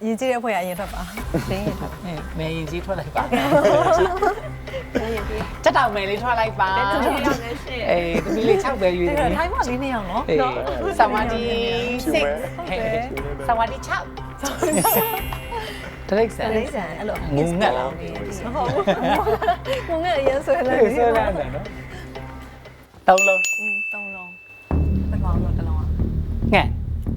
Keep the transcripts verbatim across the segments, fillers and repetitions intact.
ရင်ကြီးတဲ့ဖွဲ့ရရင်ထွက်ပါတင်းရင်ထွက်မဲရင်ကြီးထွက်လိုက်ပါတက်တောင်မဲလေးထွက်လိုက်ပါအေးတမီးလေး၆ပဲယူတယ်တယ်ထိုင်းမလေးနှစ်ယောက်နော်အေးစဝါဒီ၆စဝါဒီ၆တရိတ်ဆန်လေးဆန်အဲ့လိုငုံငက်လားမဟုတ်ဘူးငုံငက်အရင်ဆွဲလိုက်ဆွဲလိုက်တယ်နော်သုံးလုံးอืมသုံးလုံးပထမဆုံးတစ်လုံးอ่ะငှက်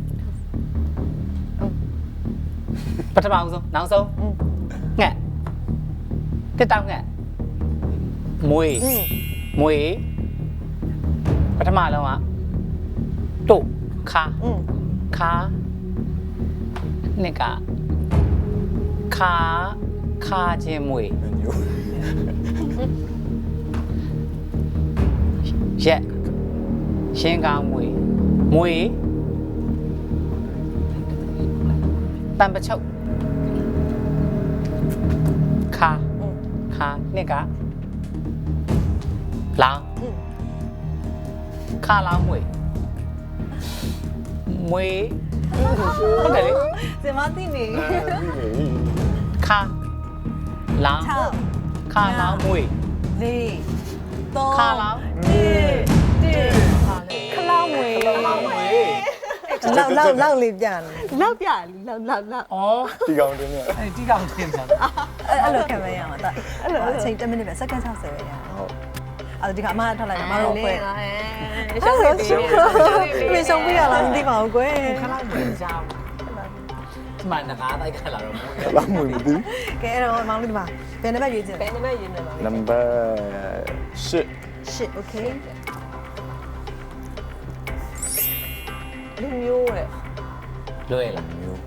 ပထမဆုံးနောက်ဆုံးငှက်တက်တောင်ငှက်မွေးမွေးပထမလုံးอ่ะတုတ်ခါอืมခါနှစ်ကခါခါချင်းမွေးရက်ရှင်းကောင်းမွေးမွေးတံပချုပ်ခါခါနှစ်ကလောင်းခါလောင်းမွေးမွေးဟုတ်တယ်လေစင်မသိနေခါလောင်း 6 ခါလောင်းမွေး၄ 3 ခါလောင်းခလောင်းဝေးလောင်းမွေးလောက်လောက်လောက်လေးပြန်လောက်ပြလောက်လောက်လောက်ဩဒီကောင်တင်းเนี่ยအဲ့ဒီကောင်တင်တာအဲ့လိုခံမရအောင်တာအဲ့လိုအချိန်ten minute ပဲစက္ကန့်60ပဲရဟုတ်အဲ့ဒီကအမထားလိုက်မတော်ခွဲရှောင်းနေပြီပြေဆုံးပြရလားမသိပါဘူးကွယ်ခါလောင်းမွေးကြောင်းဒီမှာငကားတိုက်ခါလာတော့မွေးလာမှုမသိကဲအဲ့တော့မောင်လေးဒီမှာဘယ်နှဘက်ရွေးချင်ဘယ်နမရင်းနေမှာနံပါတ်၈ shit okay လူမျိုးရဲ့လွယ်လားမျိုး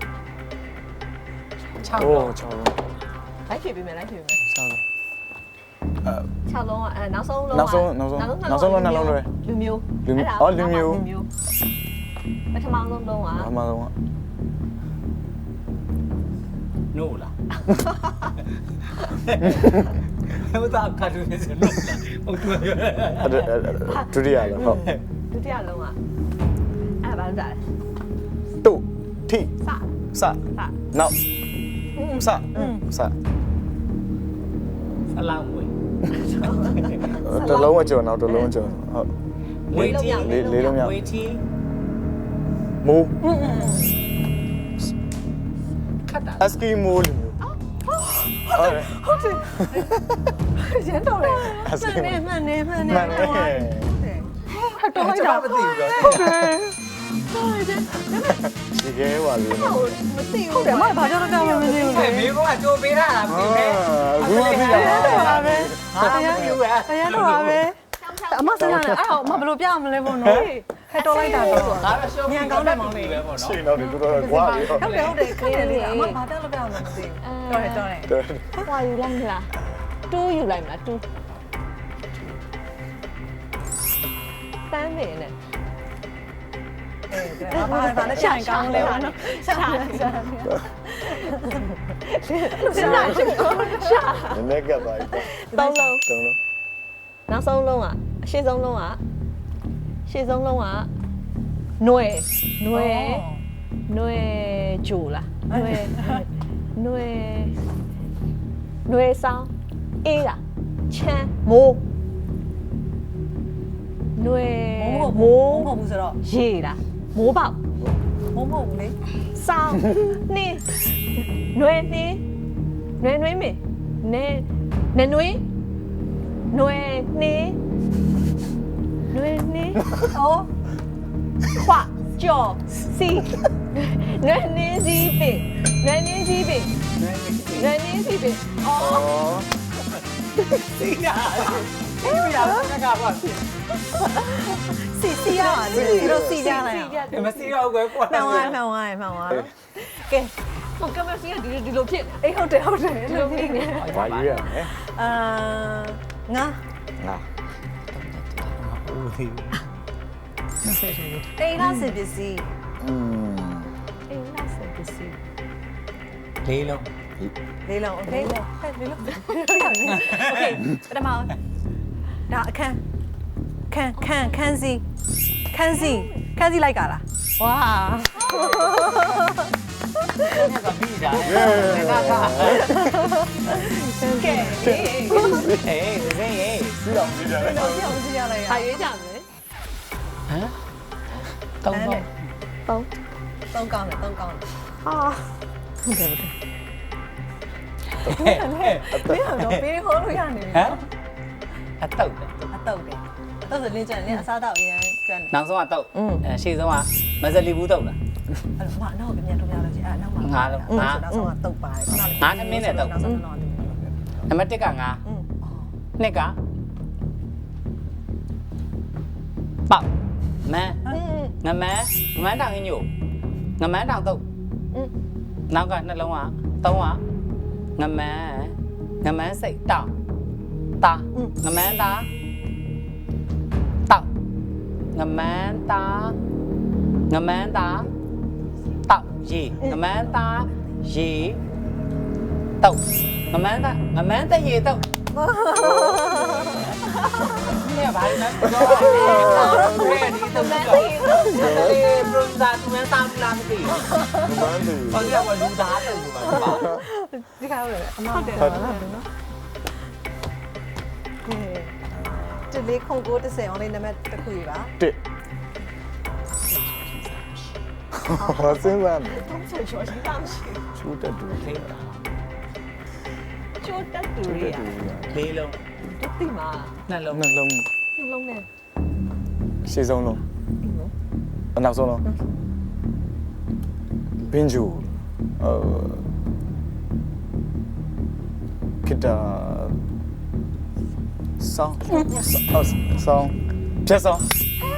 6 โอ้လုံး 6လုံးလိုက်ဖြေပေးမယ်လိုက်ဖြေပေးမယ် 6လုံးအဲ၆လုံးကအဲနောက်ဆုံးလုံးနောက်ဆုံးနောက်ဆုံးနောက်ဆုံးလုံးနှလုံးလွယ်လူမျိုးလူမျိုးအော်လူမျိုးပထမဆုံးလုံးကအမှန်ဆုံးကနို့လားဟိုတာကာတူနေစနို့လားဟုတ်တယ်အဲ့ဒုတိယလားဟုတ်ဒုတိယလုံးကအဲဘာလို့ဒါလဲတုထိစစစနောက်စစဆလောင်းမွေးတလုံးအကျော်နောက်တလုံးအကျော်ဟုတ်မွေးတီလေးလေးလုံးမြောက်မွေးတီမူခတ်တာအစကီမိုလူမျိုးဟုတ်တယ်ရန်တော်လေအစကီမှန်နေမှန်နေမှန်နေမှန်တယ်တော်လိုက်တာမသိဘူးတော့ဒီကဲပါလေမသိဘူးဟုတ်တယ်မဘာကြောင့်ကြောင့်မသိဘူးလေမေကောကကြိုးပေးတာလားမသိဘူးဘူးမသိတာပါပဲဟာမသိဘူးอ่ะတရားတော်ပါပဲအမစနေအဲ့တော့မဘလို့ပြမလဲပေါ့နော်ဟဲ့တော်လိုက်တာတော့ငါတော့ရှုံးမြန်ကောင်းတယ်မောင်လေးပဲပေါ့နော်ရှင်းတော့ဒီတော်တော်ကွာလေဟုတ်ဟုတ်တယ်ဟုတ်တယ်ခက်တယ်လေအမဘာတက်လို့ပြမလဲမသိဘူးတော်တယ်တော်တယ်တယ်ဟွာယူလိုက်မလားတူးယူလိုက်မလားတူးတမ်းနေနဲ့အေးဒါဘာဘာလဲရှာကောင်းလဲပေါ့နော်ရှာရှာရှာရှာနည်းနည်းကပ်ပါသုံးလုံးတုံးလုံးနောက်ဆုံးလုံးကအရှေ့ဆုံးလုံးကရှေ့ဆုံးလုံးကຫນွယ်ຫນွယ်ຫນွယ်ဂျိုလားຫນွယ်ຫນွယ်ຫນွယ်ဆောင်အေးလားချမ်းမိုးຫນွယ်မိုးမဟုတ်ဘူးဆိုတော့ရေလားမိုးပေါက်မိုးမဟုတ်ဘူးလေဆောင်းနှင်းຫນွယ်နှင်းຫນွယ်ຫນွေးမေနဲနဲຫນွေးຫນွယ်နှင်းຫນွယ်နှင်းအော်ခွကြော်စီနွယ်နင်းစီပင်နွယ်နင်းစီပင်နွယ်နင်းစီပင်အော်အော်စီးတာအေးမရဘူးငါကပါစီစီရပါလေဒီလိုစီကြလိုက်ဒီမစီတော့ကွယ်ကွာမှန်သွားမှန်သွားမှန်သွားကဲဟိုကမစီကဒီဒီလိုဖြစ်အေးဟုတ်တယ်ဟုတ်တယ်ဒီလိုဖြစ်နေဘာရွေးရမလဲအာငါငါဦးဒီဆက်ဆက်ဆက်အိမ်လားစင်ပစ္စည်းอืมအေးလားစပစီလေးလုံးလေးလုံးโอเคဟဲ့လေးလုံးโอเคပထမဒါအခန်းခန်းခန်းခန်းစီခန်းစီခန်းစီလိုက်ကြလားဝါကပြီးတာလေကကကဲအေးဒီစေးရေးပြီးတော့ပြီးကြတယ်တော့ပြောင်းစီရလိုက်ရဟာရွေးကြမယ်ဟမ်တောင်းတော့သုံးသုံးကောင်းတယ်သုံးကောင်းတယ်ဟာဟုတ်တယ်ဟုတ်တယ်ဟဲ့ဟဲ့မင်းကတော့ပေးဟိုးလို့ရနေပြီဟမ်အတုတ်တယ်အတုတ်တယ်အတုတ်ဆိုလင်းကျန်လင်းအစားတော့အရင်ကျွမ်းတယ်နောက်ဆုံးကတုတ်အဲရှေ့ဆုံးကမဇလီဘူးတုတ်လားအဲ့တော့မနောက်ပြန်ထုတ်ပြလို့ရှိအဲ့နောက်မှာနောက်ဆုံးကတုတ်ပါတယ်ခုနကငါးသမင်းနဲ့တုတ်နောက်ဆုံးတော့နံပါတ်တစ်ကငါနှစ်ကပေါက်မန်းငမန်းငမန်းတောင်ညို့ငမန်းတောင်တုတ်နောက်ကနှလုံးကသုံးကငမန်းငမန်းစိတ်တောင်တာငမန်းတာတောက်ငမန်းတာငမန်းတာတောက်ရေငမန်းတာရေတောက်ငမန်းတာငမန်းတရေတောက်นี่ဘာလဲတော့ဘယ်ဒီတော့လဲလေပရိုဇာသူမဲသားလာမသိမန်းတယ်ဘာလို့ကလူသားတယ်လို့ပါဒီခါလို့အမဟုတ်တယ်နော်ကဲဒီလေးခုံကိုတစ်ဆယ်အောင်လေးနံပါတ်တစ်ခုပါတစ်ဟောစဉ်းစားနေသုံးချေချောရှိတာမရှိချူတက်တူသိတာချိုးတက်တူရလေးလုံးတူတိမှာနှလုံးနှလုံးနှလုံးနဲ့ရှေ့ဆုံးလုံးအနောက်ဆုံးလုံးဘင်းဂျူအာခိတာဆောင်းဆောင်းဆောင်းဖြတ်ဆောင်း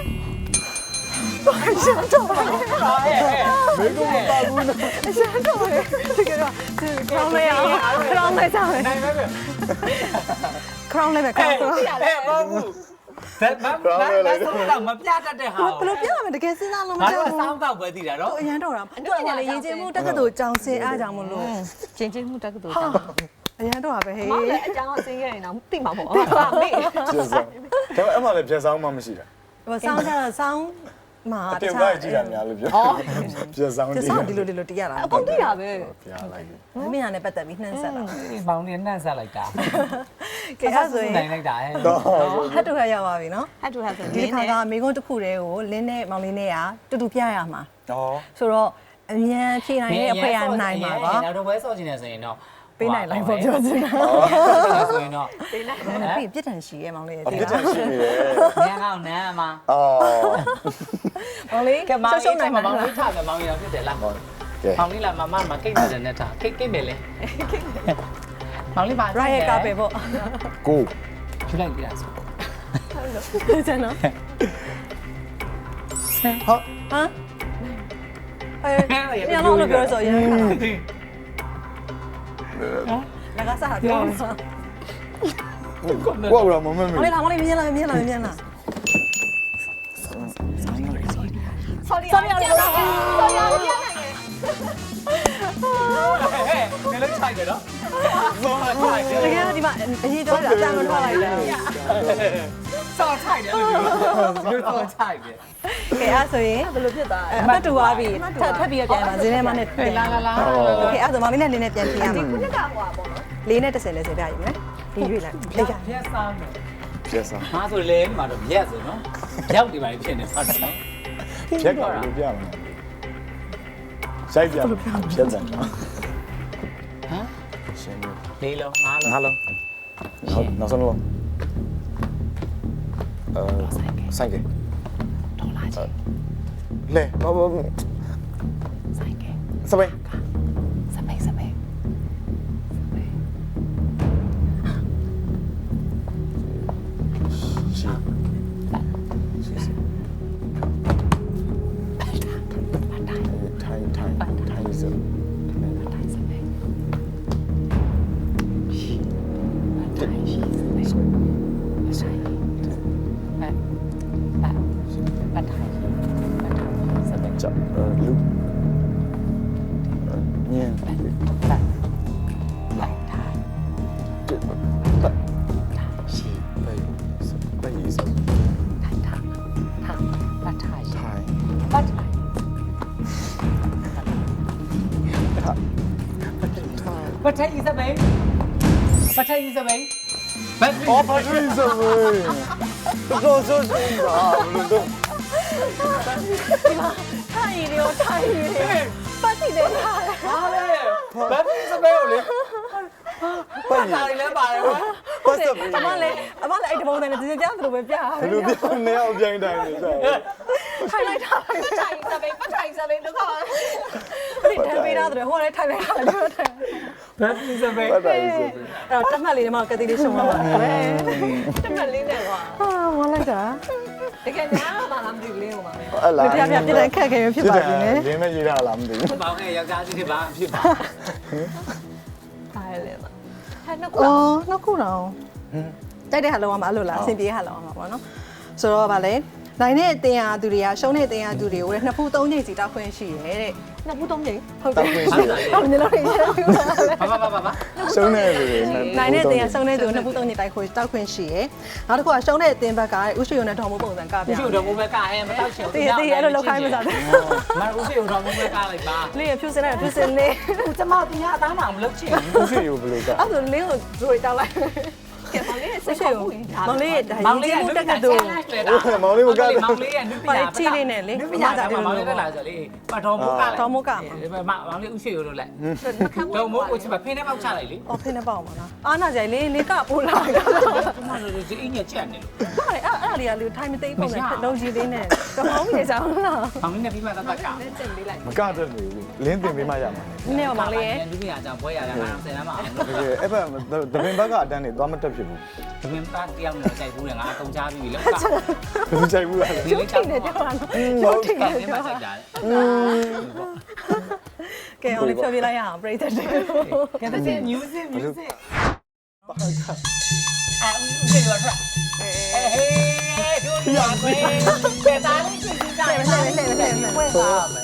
မေကုမပါဘူးနော်အရှမ်းတော့လေတကယ်တော့ခေါင်းလေးအောင်ခေါင်းလေးစားမယ်နိုင်ပဲပဲခေါင်းလေးပဲခေါင်းတော့ဟဲ့ဘာဘူးဒါမမမဆုံးတော့မပြတတ်တဲ့ဟာဘယ်လိုပြောရမလဲတကယ်စဉ်းစားလို့မငါကြောတို့က်စောင်းတော့ပဲသိတာနော်ဘူးအရန်တော့တာသူကလည်းရင်ကျင်းမှုတက္ကသိုလ်ကြောင်စင်အားကြောင့်မလို့ကျင်းချင်းမှုတက်ကတူတောင်းအရန်တော့တာပဲဟေးမောင်လည်းအကြောင်းအစင်းရရင်တော့သိမှာပေါ့ဟုတ်ပါမေးဖြတ်ဆောင်းဒါပေမဲ့အမှလည်းဖြတ်ဆောင်းမှမရှိတာဟိုဆောင်းကြတော့ဆောင်းမှာအတင်ကကြည့်တာများလို့ပြောဖြတ်ဆောင်းဒီတည်ဆောင်းဒီလိုဒီလိုတရတာအကုန်သိတာပဲပြလိုက်မင်းရနဲ့ပတ်သက်ပြီးနှမ်းဆက်တာမောင်လေးနှံ့ဆက်လိုက်တာကဲအဲ့ဆိုရင်နိုင်လိုက်တာဟဲ့တော့ဟတ်တူခါရောက်ပါပြီနော်ဟတ်တူဟတ်ဆိုဒီခါကမိကုန်းတစ်ခုတည်းကိုလင်းနဲ့မောင်လေးနဲ့ကတူတူပြရမှာတော့ဆိုတော့အမြန်ဖြေနိုင်တဲ့အဖွဲရနိုင်မှာပါနောက်တော့ဘဲဆော့ချင်တယ်ဆိုရင်တော့ပေးနိုင်လိုက်ဖို့ပြောချင်တာဆိုရင်တော့ပေးလိုက်ပြီးပြစ်ဒဏ်ရှိရဲ့မောင်လေးအတိပြစ်တလားယ်ရှိနေတယ်ညံကောင်းနမ်းမှာအော်မောင်လေးကဲမောင်ရှုံလေးရှုံနိုင်မောမှာင်လေးထားတယ်မောင်လေးဖြစ်တယ်လားကဲမောင်လေးလာမမမကိတ်တယ်နဲ့ထားကိတ်ကိတ်မယ်လေမောင်လေးပါရိုက်ရဲ့ကားပဲပေါ့ကိုယူလိုက်ကြဆိုကျန်နော်ဟာဟမ်အဲညလုံးလို့ပြောဆိုရင်လကစားပြောမှာကိုရမမမေမောင်လေးလာမောင်လေးမြင်လာမြင်လာမြင်လာဆော်ရီဆော်ရီဆော်ရီပြန်နိုင်တယ်ဟဲ့နေလိုက်ချိုက်တယ်နော်ဘောမချိုက်တယ်တကယ်ဒီမှာအရေးတော့အတန်မထွက်လိုက်ဘူးစောချိုက်တယ်လို့ပြောစောချိုက်တယ်ကဲအဲ့ဆိုရင်ဘယ်လိုဖြစ်သွားလဲအမှတ်တူသွားပြီထပ်ထပ်ပြီးတော့ပြန်ပါဇင်းထဲမှာနဲ့လာလာလာโอเคအဲ့ဆိုမောင်လေးနဲ့လင်းနဲ့ပြန်ပြင်ရမှာခုနကဟိုပါပေါ့နော်လေးနဲ့တစ်ဆယ်လဲစေပြရည်မယ်ဒီရွေးလိုက်လေးကရက်စားမယ်ဖြတ်ဆောင်းငါဆိုလေမှာတော့ရက်ဆိုနော်ရောက်ဒီပါလေဖြစ်နေပါတော့ဖြတ်ကလို့ပြမလားစိုက်ပြဖြတ်တယ်ဟမ်ရှင်းလေးလုံးငါးလုံးငါလုံးနောက်နောက်ဆုံးလုံးအဲစိုက်ကဲဒေါ်လာကြီးလေဘာဘာဆိုင်ကစပိန်စပိတ်စပိတ်ရှိထိုင်ထိုင်ထိုင်စတိုင်းစပိတ်ရှိတိုင်းရှိစပိတ်ဆိုင်ပတ်ပတ်ပတ်တိုင်းပတ်တိုင်းစပိတ်ကြောက်လူညင်ပတ်ပတ်လိုက်တိုင်းတစ်ပတ်တိုင်းရှိပဲပဲစတိုင်းတိုင်းဟာပတ်တိုင်းထိုင်ပတ်တိုင်းပတ်ထိုင်စပိန်ပတ်ထိုင်စပိန်ဘတ်အော်ဘာလို့ဆိုလဲတော်တော်ဆိုးတာဘယ်လိုတော့ထိုင်ရီရောထိုင်ရီပတ်စီတယ်ထားတယ်ဟာလေဘတ်စပိန်ကိုလေပတ်ရတာလည်းပါတယ်ကွာပတ်စပ်ဘယ်အမလည်းအမလည်းအဲ့ဒီပုံစံနဲ့ဒီစကြောင်သူလိုပဲပြရတယ်လိုပြောနေအောင်ပြိုင်တိုင်းနေစားထိုင်လိုက်တာပဲထိုင်စပိန်ပတ်ထိုင်စပိန်တော့ဒီတန်ပေးတာဆိုတော့ဟိုကလည်းထိုင်လိုက်တာလည်းထိုင်ဘတ်စပိန်ပတ်တိုင်းဆိုအဲ့တော့တက်မှတ်လေးတွေမှာကတိလေးရှုံးလာပါပဲတမလေးနဲ့ကွာဟာဝမ်းလိုက်တာတကယ်ညာမလားမသိဘူးလေးဟိုမှာအဲ့လားဒီပြပြပြတဲ့ခက်ခဲရဖြစ်ပါပြီလေရင်းမဲ့ရေးတာလားမသိဘူးဘောင်းရဲ့ယောက်ျားကြီးတွေပါဖြစ်ပါဒါလည်းပါဟဲ့နှစ်ခုအော်နှစ်ခုတော့တိုက်တဲ့ဟာလောက်အောင်မအဲ့လိုလားအဆင်ပြေဟာလောက်အောင်ပါပေါ့နော်ဆိုတော့ဗာလေနိုင်တဲ့အတင်ရသူတွေကရှုံးတဲ့အတင်ရသူတွေကိုလည်းနှစ်ဖူးသုံးချိန်စီတောက်ခွင့်ရှိရဲတဲ့နှစ်ခုသုံးချိန်ဟုတ်တယ်ဟုတ်တယ်လို့ရရပြပါလေဘာဘာဘာဘာရှုံးနေပြီနိုင်တဲ့အတင်ရရှုံးတဲ့သူနှစ်ဖူးသုံးချိန်တိုက်ခွင့်တောက်ခွင့်ရှိရဲနောက်တစ်ခုကရှုံးတဲ့အတင်ဘက်ကဥရှိုံနဲ့ထောင်မိုးပုံစံကပြဦးရှိတော်မူမဲ့ကဟဲမတောက်ချင်တည်တည်အဲ့လိုလောက်ခိုင်းမစားတယ်မဦးရှိတော်မူမဲ့ကလိုက်ပါလေးရဖြူစင်လိုက်ဖြူစင်လေးကျမတင်ရအသားမှမလုပ်ချင်ဦးရှိရဘယ်လိုကအဲ့ဒါလေးကိုဒရိုတောက်လိုက်ကဲမောင်လေးစိစိတ်တ်ရှိခေါ်ဘူးဘူးမောင်လေးဒါမောင်ရင်လေးကြီးကမှုတက်ကတူမောင်လေးကနုပညာနုပညာမောင်လေးတက်လာဆိုလေပတော်မူကမောင်လေးဦးရှိတော်လို့လက်နှခမ်းတော့မို့ကိုချစ်ပါဖင်းထဲပေါက်ချလိုက်လေအော်ဖိနေပေါ့ပါလားအာနာကြိုင်လေးလေးကပို့လာတာကျမတို့ဒီအင်းညက်ချက်နေလို့ဟုတ်တယ်အဲ့အဲ့လေးကလူထိုင်မသိပုံနဲ့လုံးကြီးလေးနဲ့ကမောင်းကြီးစားလားမောင်လေးနဲ့ပြီးမှတတ်တတ်ကတင်ပေးလိုက်မကတတ်နေဘူးလင်းတင်ပေးမှရမှာနည်းနည်းမောင်လေးရဲ့နုပညာကြောင့်ဘွဲရတာငါတော့ဆယ်လမ်းမအောင်လို့တကယ်အဲ့ဘက်တပင်ဘက်ကအတန်းနေသွားမတက်ဖြစ်ဘူးဒီမင်းသားတယောက်နဲ့ကြိုက်ဘူးလေငါအကုန်ချပြီလေကဘယ်လိုကြိုက်ဘူးလားဒီလေးထိတောက်နေတော့ကြပါလားဟုတ်ကဲ့ဒီမှာကြိုက်တာကဲအောင်လေးဖြောပြလိုက်ရအောင်ပြိတ္တတယ်ကဲတဲ့ music music အာဦးစေရောထွက်ဟေးတို့ရခွေးတဲ့သားလေးကြည့်ကြည့်ကြတယ်လှည့်လှည့်လှည့်လှည့်ခွေးပါမယ်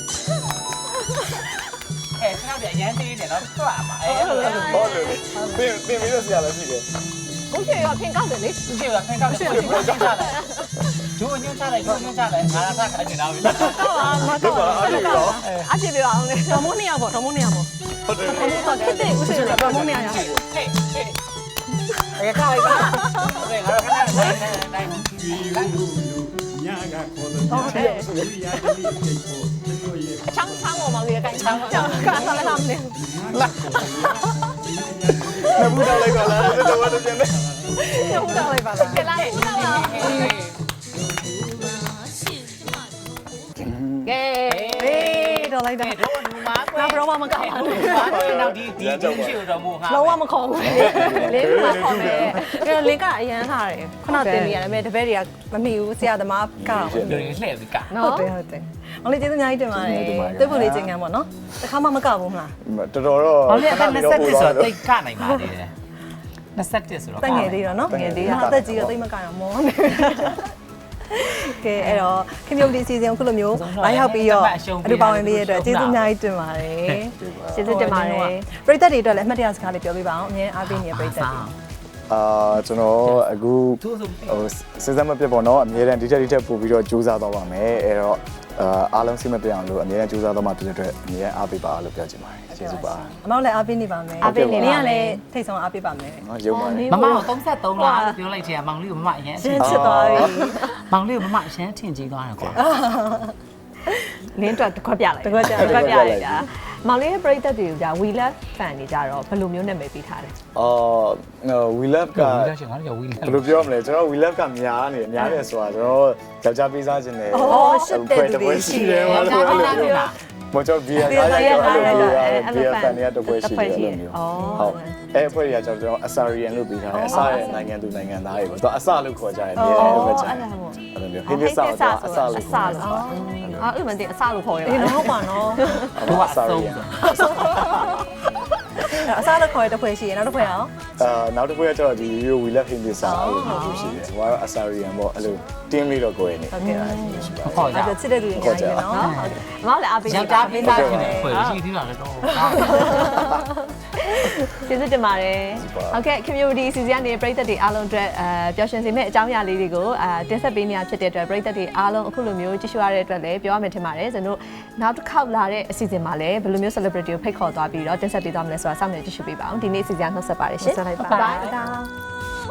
အဲဆရာကရန်သေးတယ်နော်ထွက်ပါအဲဟုတ်တယ်ပြင်ပြင်ပြီးတော့ဆရာလည်းရှိတယ်ဘုရားရောဖင်ကောက်တယ်လေဦးစေရောဖင်ကောက်တယ်ဘယ်လိုချလိုက်ဒူးညွှန်းချလိုက်ဒူးညွှန်းချလိုက်ငါလာခါနေတာပဲမတော့ပါဘူးတော့အပြည့်ပြအောင်လေတော်မိုးနေရပေါ့တော်မိုးနေရပေါ့ဟုတ်တယ်တော်မိုးတော့ခက်တဲ့ဥစ္စာကတော်မိုးနေရရဟေးဟေးအဲခါလိုက်ပါโอเคငါတို့ခဏနိုင်နိုင်နိုင်ဟုတ်တယ်ချမ်းချမ်းပေါ်မောင်လေးကိုင်းချမ်းကြောက်ကားလာလာမနေနဘူးတော့လိုက်ပါလားတော်တော်ပြန်နေဟုတ်တော့လိုက်ပါလားကဲလာဟဲ့လာလာကဲအေးတော့လိုက်တာတို့လူမားကွယ်နောက်တော့မကောက်ဘူးနောက်ဒီဒီဒီရှိတော်မူဟာလုံးဝမခေါ်ဘူးလေးမှာခေါ်မယ်အဲ့တော့လင်ကအရန်ထားတယ်ခုနတင်နေရတယ်မဲ့တပည့်တွေကမမိဘူးဆရာသမားကတော့လူတွေလှည့်ပြီးကဟုတ်တယ်ဟုတ်တယ်။မောင်လေးကျေးဇူးအများကြီးတင်ပါတယ်။တွေ့ဖို့လေးချိန်ခံပေါ့နော်။တစ်ခါမှမကောက်ဘူးမလားတော်တော်တော့ဘာလဲအဲ့၂၁ဆိုတော့တိတ်ကနိုင်ပါသေးတယ်၂၁ဆိုတော့။တက်ငယ်သေးတော့နော်။ငယ်သေးတာ။အသက်ကြီးတော့တိတ်မကောက်တော့မောနေ။ကဲအဲ့တော့ခင်ဗျုပ်ဒီစီစဉ်ခုလိုမျိုးလာရောက်ပြီးတော့အတူပါဝင်ပေးရတဲ့အတွက်ကျေးဇူးအများကြီးတင်ပါတယ်။ကျေးဇူးတင်ပါတယ်ပရိသတ်တွေအတွက်လည်းအမှတ်တရစကားလေးပြောပြပါအောင်။အမြဲအားပေးနေတဲ့ပရိသတ်တွေအာကျွန်တော်အခုဟိုစဉ်းစားမပြတ်ပေါ့နော်အများတန်းဒီတက်ဒီတက်ပို့ပြီးတော့ကြိုးစားတော့ပါမယ်အဲ့တော့အာအားလုံးစိတ်မပြတ်အောင်လို့အများတန်းကြိုးစားတော့မှဖြစ်တဲ့အတွက်အများအားပေးပါလို့ပြောချင်ပါတယ်ကျေးဇူးပါ။အမောင်လည်းအားပေးနေပါမယ်။နင်းကလည်းထိတ်ဆုံးအားပေးပါမယ်နော်ရုံပါတယ်မမကို၃၃လားလို့ပြောလိုက်ချင်မောင်လေးကိုမမအရင်။ရှင်းချစ်သွားပြီမောင်လေးကိုမမအရင်ထင်ကြီးသွားတယ်ကွာလင်းအတွက်တစ်ခွက်ပြလိုက်။တကွက်ကြတစ်ခွက်ပြလိုက်တာမောင်လေးရဲ့ပရိသတ်တွေက we love fan တွေကြတော့ဘယ်လိုမျိုးနာမည်ပေးထားလဲအော် we love ကဝီလာရှင်ငါတို့ဝီလာဘယ်လိုပြောမလဲကျွန်တော် we love ကများနေများနေဆိုတာကျွန်တော်ယောက်ျားပေးစားခြင်းနဲ့။အော်ရှစ်တဲ့လူတွေရှိတယ်မလို့အဲ့လိုမျိုးမတော်ဘီယာအားရတော့အဲ့လိုမျိုးဘီယာဖန်တွေကတပွဲရှိတယ်အဲ့လိုမျိုးဟုတ်အဲ့အဖွဲ့တွေကကျွန်တော်အစာရီယန်လို့ပြီးထားတယ်အစာရဲ့နိုင်ငံသူနိုင်ငံသားတွေပေါ့သူအစာလို့ခေါ်ကြတယ်ဒီလိုပဲကြာတယ်အဲ့လိုမျိုးဟိဖိစာတော့အစာလို့အစာလို့အော်အဲ့လိုမှတင်အစာလို့ခေါ်ရ။တာဒီတော့ဟုတ်ပါနော်ဟိုကအဆုံး။အစားတစ်ခွဲတစ်ခွဲရှိရင်နောက်တစ်ခွဲအောင်အာနောက်တစ်ခုကကျတော့ဒီ video we love him this အဲ့လိုမျိုးရှိတယ်ဟိုကတော့ Asarian ပေါ့အဲ့လို team လေးတော့ကိုယ်နေဟုတ်ကဲ့ပါရှိပါဟောအဲ့ကြဒါချစ်တဲ့သူတွေအများကြီးပဲနော်အမလည်းအားပေးယောက်ျားပေးသားဖြစ်နေဖွဲ့ရှိသေးတာလည်းတော့ကျေးဇူးတင်ပါတယ်ဟုတ်ကဲ့ community အစီအစဉ်ကနေပရိသတ်တွေအားလုံးအတွက်အဲပျော်ရွှင်စေမယ့်အကြောင်းအရာလေးတွေကိုအဲတင်ဆက်ပေးနေရဖြစ်တဲ့အတွက်ပရိသတ်တွေအားလုံးအခုလိုမျိုးကြည့်ရှုရတဲ့အတွက်လည်းပြောရမယ်ထင်ပါတယ်ကျွန်တော်နောက်တစ်ခေါက်လာတဲ့အစီအစဉ်မှာလည်းဘယ်လိုမျိုး celebrity ကိုဖိတ်ခေါ်သွားပြီးတော့တင်ဆက်ပေးသွားမလဲဆိုတာစောင့်မျှော်ကြည့်ရှုပေးပါအောင်ဒီနေ့အစီအစဉ်နှုတ်ဆက်ပါတယ်ရှင်ဆက်လိုက်ပါ Bye bye